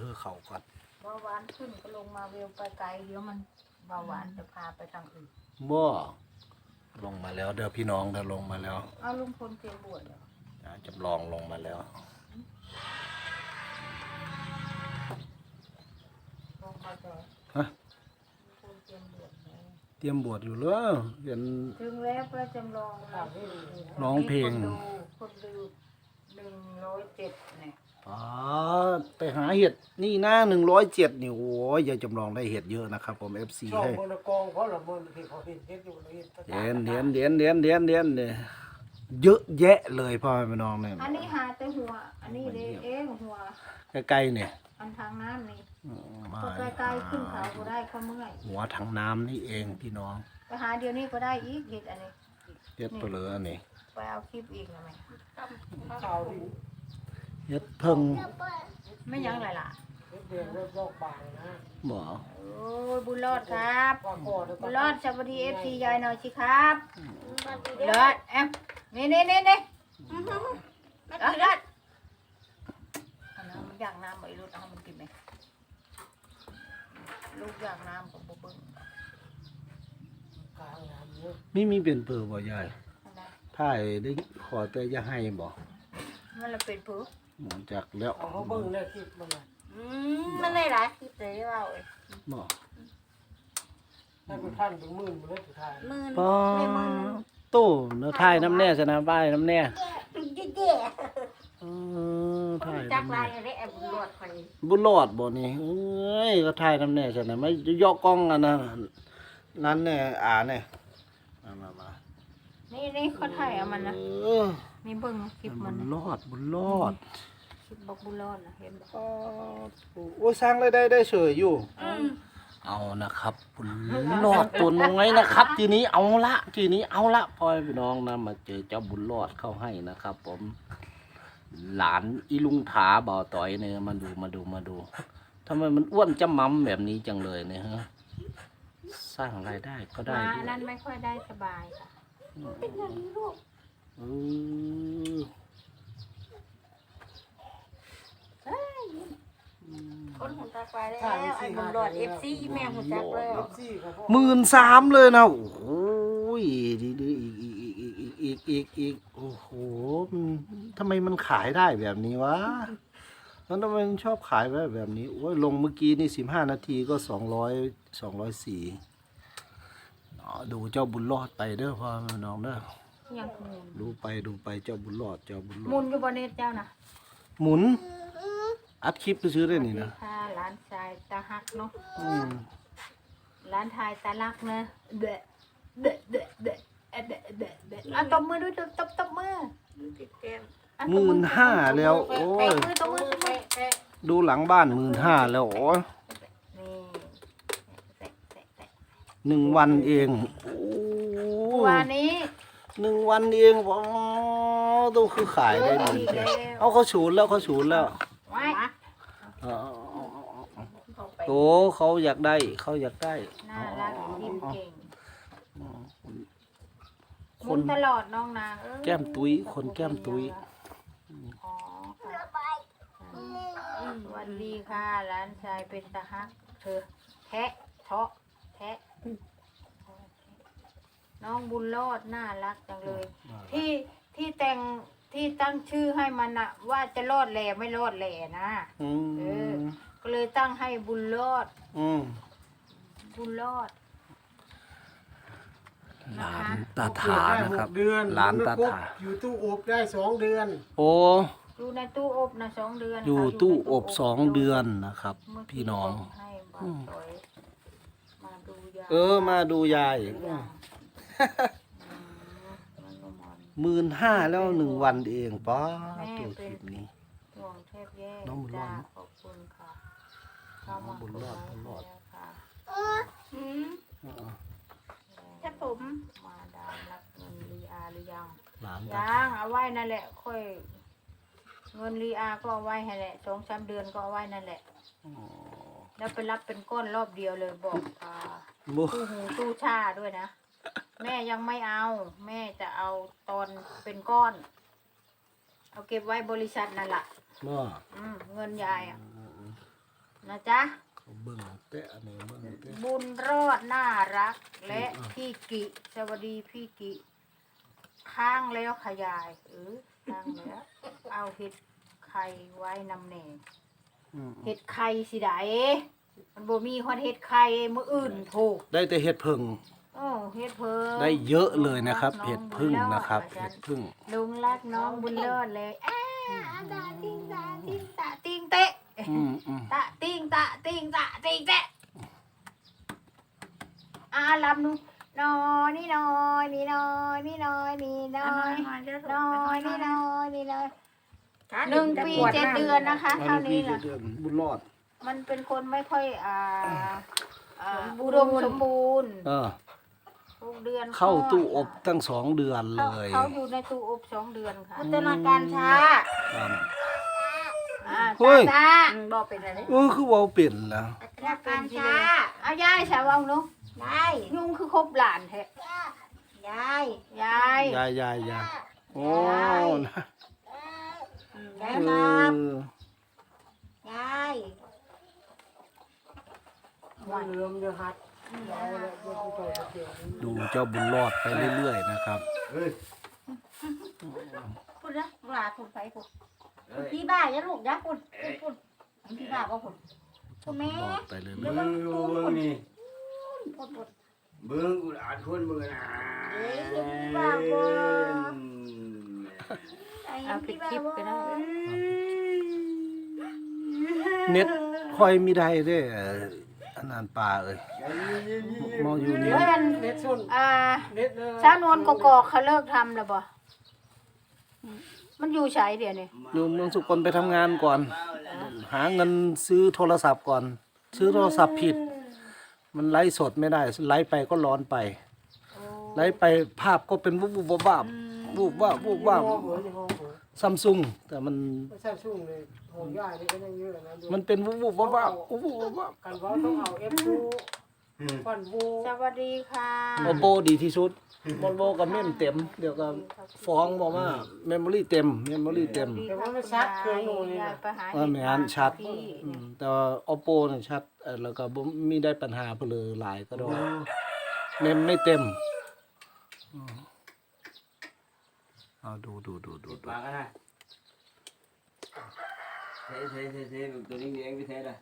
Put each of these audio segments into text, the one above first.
เขาก่อนเบาหวานขึ้นก็ลงมาเวลไปไกลเดี๋ยวมันเบาหวานจะพาไปทางอื่นบ่ลงมาแล้วเด้อพี่น้องเด้อลงมาแล้วเอาลุงพลเตรียมบวชเหรอจำลองลงมาแล้วลงมาจะฮะลุงพลเตรียมบวชแล้วเตรียมบวชอยู่เลยเห็นถึงแล้วพระจำลองร้องเพลงคนดู107เนี่ยไปหาเห็ดนี่นะ107นี่โอ้ยยายจำลองได้เห็ดเยอะนะครับผม FC ช่องให้บนกองเพราะละมันที่เขาเห็นเห็นอยู่เห็นเนี่ยเยอะแยะเลยพ่อแม่น้องเนี่ยอันนี้หาแต่หัวอันนี้เลยเองหัวใกล้ๆเนี่ยอันทางน้ำนี่ก็ใกล้ๆขึ้นเขาก็ได้เขาเมื่อยหัวถังน้ำนี่เองพี่น้องไปหาเดี๋ยวนี้ก็ได้อีกเห็ดอันนี้เห็ดเปลืออันนี้ไปเอาคลิปอีกนะแม่ข่าวดีเห็ดเพิ่งไม่ยังไรล่ะเห็ดเดือนเริ่มโรคบางนะบ่โอ้ยบุญรอดครับบุญรอดสวัสดีFCยายหน่อยสิครับบุญรอดแอมนี่รอดอันนั้นมันอยากน้ำไอ้ลูกเอามันกินไหมลูกอยากน้ำกับบุ้งมีเป็นเปลือกบ่ยายถ่ายได้ขอแต่อย่าให้บ่มันละเป็นผือจากแล้วเขาเบิ่งแล้วคลิปมันมันได้หลายคลิปเลยว่าเอ้ยบ่ได้เป็นพันเป็นหมื่นมาเลยสุดท้ายป้อตู้เนื้อถ่ายน้ำแน่ชนะบ้ายน้ำแน่ถ่ายจากลายได้แอบบุญรอดไปบุญรอดบ่นี่เอ้ยก็ถ่ายน้ำแน่ชนะไม่ย่อกล้องอันนั้นเนี่ยเนี่ยมานี่เขาถ่ายเอามันนะมีเบิ่งคลิปมันบุญรอดคลิปบอกบุญรอดนะเห็นบ่โอ้สร้างได้เฉยอยู่เอานะครับบุญรอดตัวน้อยนะครับทีนี้เอาละพ่อพี่น้องนะมาเจอเจ้าบุญรอดเข้าให้นะครับผมหลานอีลุงถาบ่าวต่อยเนี่ยมาดูทำไมมันอ้วนจำมั่มแบบนี้จังเลยเนี่ยฮะสร้างรายได้ก็ได้ด้วยนั้นไม่ค่อยได้สบายค่ะเป็นอย่างนี้ลูกคนหุ่นตาไฟแล้วไอ้บุญรอด FC แม่หุ่นจักเลย 13,000เลยนะโอ้โหดีอีกโอ้โหทำไมมันขายได้แบบนี้วะแล้วทำไมมันชอบขายแบบนี้โอ้ยลงเมื่อกี้นี่15 นาทีก็204ดูเจ้าบุญรอดไปเด้อพ่อน้องเด้อดูไปเจ้าบุญรอดหมุนอยู่บนเน็ตเจ้านะหมุนอัดคลิปไปซื้อได้นี่นะร้านชายตาฮักเนาะร้านชายตาลักเนอะเดะเอาตบมือด้วยตบมือ 15,000แล้วโอ้ยดูหลังบ้าน15,000แล้วโอ้ย1 วันเองวันนี้ 1 วันเองต้องคือขายได้ดีเขาฉูนแล้วโตเขาอยากได้น่ารักยิ้มเก่งคนตลอดน้องนางแก้มตุ้ยคนแก้มตุ้ยสวัสดีค่ะร้านชายเป็นตาฮักเธอแทะน้องบุญรอดน่ารักจังเลยที่ตั้งชื่อให้มันนะว่าจะรอดแหล่ไม่รอดแหล่นะก็เลยตั้งให้บุญรอดหลานตาถานะครับหลานตาถาอยู่ตู้อบได้2 เดือนโอ้อยู่ในตู้อบนะ2 เดือนอยู่ตู้อบ2 เดือนนะครับพี่น้องมาดูยาย15,000แล้ว1 วันเองป้าตัวคลิปนี้น้องบุญรอดขอบคุณค่ะบุญรอดค่ะถ้าผมมาดามรับเงินรีอาหรือยังเอาไว้นั่นแหละค่อยเงินรีอาก็เอาไว้ให้แหละ2-3 เดือนก็เอาไว้นั่นแหละแล้วไปรับเป็นก้อนรอบเดียวเลยบอกตู้หูตู้ชาด้วยนะแม่ยังไม่เอาแม่จะเอาตอนเป็นก้อนเอาเก็บไว้บริษัทนั่นแหละเงินยายนะจ๊ะเขาเบิ่งเตะอันนี้เบิ่งเตะบุญรอดน่ารักและพี่กิสวัสดีพี่กิข้างแล้วขยายข้างแล้วเอาเห็ดไข่ไว้นำแหน่ เห็ดไข่สิได้มันบ่มีคนเห็ดไข่มื้ออื่นโถได้แต่เห็ดพึ่งโอ้เฮ็ดเพิ่งได้เยอะเลยนะครับเห็ดพึ่งนะครับเห็ดพึ่งลุงรักน้องบุญเลิศเลยตาติงตาติงตาติงเตะ ตะติงตะติงตะติงเตะลำนูน้อยนี่น้อยนี่น้อยนี่น้อยนี่น้อยน้อยนี่น้อยนี่น้อย1 ปี 7 เดือนนะคะเท่านี้แหละบุญรอดมันเป็นคนไม่ค่อยอุดมสมบูรณ์6 เดือนเข้าตู้อบตั้ง2 เดือนเลยเขาอยู่ในตู้อบ2 เดือนค่ะพัฒนาการช้าครับเฮ้ยบอกเป็นอะไรคือเว้าเป็นแล้วพัฒนาการช้าเอายายสาวเอาหนูยายยุงคือครบหลานแท้ยายยายยายโอ้นะยายครับยายเริ่มจะหัดยายแล้วก็ไปต่อเกี่ยวดูเจ้าบุญรอดไปเรื่อยๆนะครับพูดนะหลาพูดไปพูดพี่บ้าอย่าลูกอย่าพูดพี่บ้าก็พูดพูดแม่รอดไปเรื่อยเดี๋ยวมันพูดพูดเบิ่งกูอ่านคนเบิ่งนะพี่บ้าบ่เอาปิดคลิปก็ได้ๆเน็ตค่อยมีได้เด้อันนั้นป่าเอ้ยมองอยู่นี่เฮ้ยอันเน็ตส่วน เน็ตเลยสาวนวลกอกเขาเลิกทำแล้วบ่มันอยู่ใช้เดี๋ยวนี้อยู่เมืองสุกลไปทำงานก่อน หาเงินซื้อโทรศัพท์ก่อน ซื้อโทรศัพท์ผิด มันไลฟ์สดไม่ได้ไลฟ์ไปก็ร้อนไปไลฟ์ไปภาพก็เป็นวูบวูบวาบวูบวาบวูบวาบห้องหัวที่ห้องหัวซัมซุงแต่มันไม่ใช่ชุ่มเลยโหย่ายนี่ก็ยังเยอะนะมันเป็นวูบวูบวาบวูบวูบวาบกันว่าต้องเอาF2 ฟันวูสวัสดีค่ะโอโปดีที่สุดโมโบกับเมมเต็ม เดี๋ยวก็ฟ้องบอกว่าเมมโมรี่เต็มเมมโมรี่เต็มแต่ว่ามันชัดเคยโน่นนี่ยานะยไปหาว่าแม่นชัดพี่แต่ว่า Oppo เนี่ยชัดแล้วก็บ่มีได้ปัญหาเพนเลยหลายก็ดอกเมมไม่เต็มเอาดูปากกันนะเทตัวนี้เองไปเทละ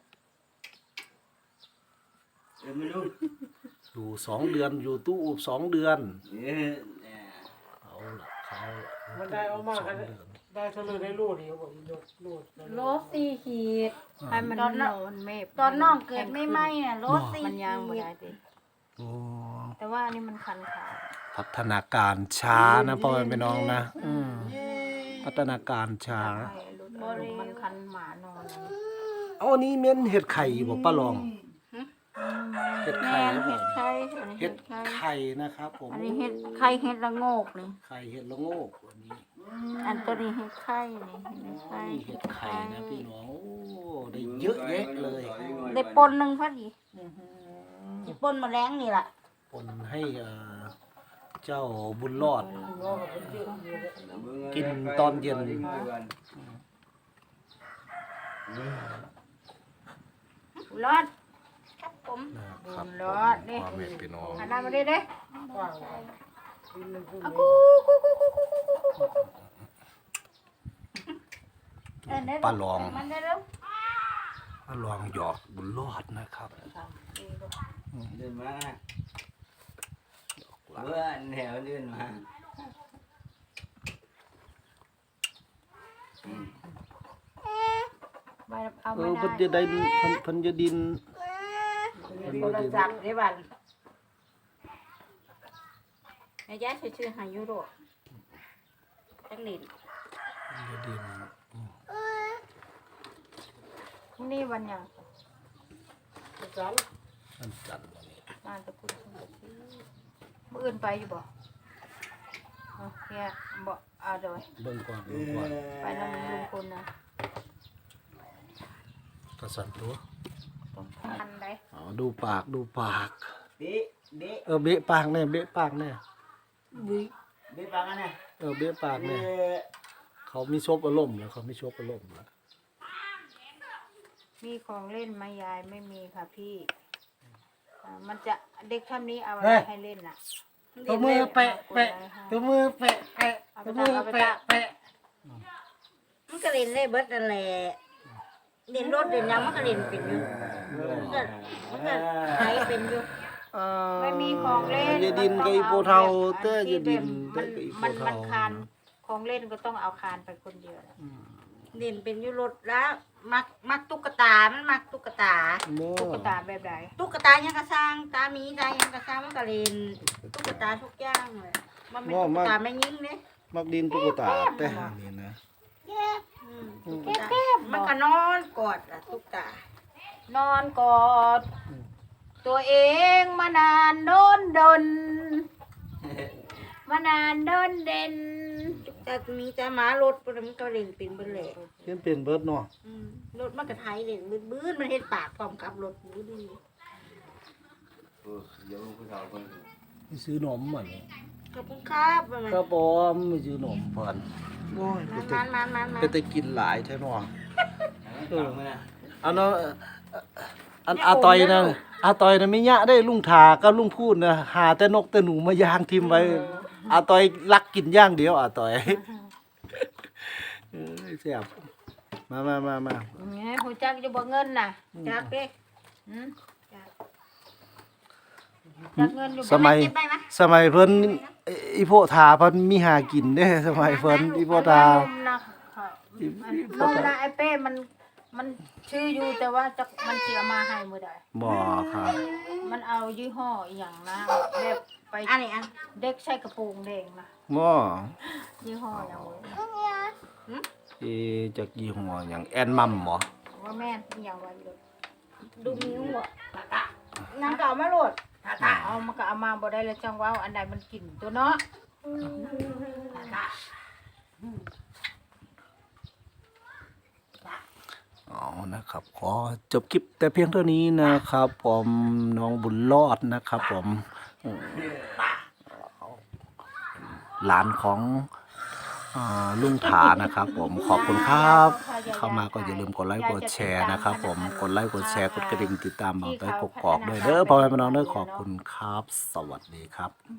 ไม่รู้อยู่2 เดือนอยู่ตู้อบ2 เดือน เอาละเขามันได้เอามากกันได้เท่าเลยได้รูดเดียวบอกรูดโลสี่ขีดให้มันตอนนน่ะอนเมฆตอนน้องเกิดไม่ไหมน่ะโลสี่มันขีย่างบ่ดได้ติโอ้แต่ว่าอันนี้มันคันขาพัฒนาการช้านะพ่อแม่พี่น้องนะพัฒนาการช้าให้รุดมันคันหมานอนเอาอันนี้เม้นเห็ดไข่บ่ป้าลองเห็ดแม่ไข่นครับผเห็มดไข่อันนี้เห็เห็ดดไข่ไข่นะครับผมอันนี้เห็ดไข่เห็ดละโงกนี่ไข่เห็ดละโงกวันนี้อันตัวนี้เห็ดไข่นี่เห็ดไข่นี่เห็ดไข่นะพี่น้องโอ้ได้เยอะแยะเลยได้ปนหนึ่งพอดีได้ปนแมลงนี่ล่ะปนให้เจ้าบุญรอด กินตอนเย็นรอดครับผมนะครับบุญรอดนี่พ่อแม่พี่น้องหันหน้ามาดิเด้กว้างดินมันพุ่งกูป้าลองมันได้แล้วป้าลองหยอกบุญรอดนะครับเดินมาเบื่อแถวเดินมาไปเอาเอไม่อได้เพิ่นจะได้เพิ่นจะดินโทรศัพท์ได้บันนายยะชื่อหายุโรจังหลินจะดินนี่วันยังจันนั่นจันทร์วันนี้มาจะพูดมื้ออื่นไปอยู่บ่เนี่ยบ่เอาเดี๋ยวเบิ่งก่อนเบิ่งก่อนไปนำลุงคุณนะกระสันตัวต้องทันได้อ๋อดูปากดูปากเบ๊เบะปากแน่เบะปากแน่เบ๊ปากกันนะเบะปากแน่เขามีชบอารมณ์แล้วเขามีชบอารมณ์แล้วมีของเล่นไหมยายไม่มีค่ะพี่มันจะเด็กท่านนี้เอาอะไรให้เล่นน่ะตัวมือแปะแปะตัวมือแปะแปะตัวมือแปะแปะมันก็เล่นได้เบิดนั่นแหละเล่นรถเล่นหยังมันก็เล่นเป็นอยู่มันก็ใช้เป็นอยู่ไม่มีของเล่นยายดินกับอีโปเทาเต้ยายดินมันกับอีโปมันเทาคานของเล่นก็ต้องเอาคานไปคนเดียวนะเล่นเป็นอยู่รถแล้วมักตุ๊กตา มันมักตุ๊กตาโม่ตุ๊กตาแบบไหนตุ๊กตายังกระสร้างตาหมีตายังกระสร้างมันก็เล่นตุ๊กตาทุกอย่างเลยมันเป็นตุ๊กตาไม่ยิงเนี่ยมักดินตุ๊กตาแต่หานี่นะตุ๊กตามันก็นอนกอดอะตุ๊กตานอนกอด ตัวเองมานานโดนดน มานานโดนเด่นตุ๊กตามีแต่หมารถมันก็เล่นเป็นเบิดแหละเพิ่นเป็นเบิดเนาะรถมันก็ไทยเล่นบื้นมันเฮ็ดปากพร้อมกับรถบื้นเดี๋ยวผู้สาวคนไปซื้อนมเหมือนขอบคุณครับมันครับผมไปซื้อนมเพิ่นโอ้ยไปแต่มันไปแต่กินหลายแท้เนาะเออมาอันนั้นอันอาตอยนะอาตอยนะไม่ยะได้ลุงทากับลุงพูดนะหาแต่นกแต่หนูมายางทิมไว้อาตอยรักกินอย่างเดียวอาตอยเอ้ยแซ่บมาเนี่ยหูจักจะบอกเงินน่ะจักเด้หืมจักเงินอยู่สมัยเก็บได้ไหมสมัยเพิ่นอีโพธาเพิ่นมีหากินเด้สมัยเพิ่นอีโพธานมนะนมนะไอ้เป้มันชื่ออยู่แต่ว่าจะมันเสียมาให้มือใดบ่ครับมันเอายี่ห้ออหย่างนะแบบไปอันนี้อันเด็กใส่กระโปรงแดงนะบ่ยี่ห้ออย่างเว้ยจากยี่ห้อหยังแอนมัมบ่ว่าแม่นอหย่างไว้เลยดูนิ้วอ่ะนางเก่ามาโหลดเอามันก็เอามาบ่ได้แล้วจังว่าอันใดมันกินตัวเนาะอ๋อนะครับขอจบคลิปแต่เพียงเท่านี้นะครับผมน้องบุญรอดนะครับผมหลานของลุงถานะครับผมขอบคุณครับ เข้ามาก็อย่าลืมกดไลค์กดแชร์นะครับผมกดไลค์กดแชร์กดกระดิ่งติดตามเอาไปกกอกด้วยเด้อพ่อแม่พี่น้องเด้อขอบคุณครับ สวัสดีครับ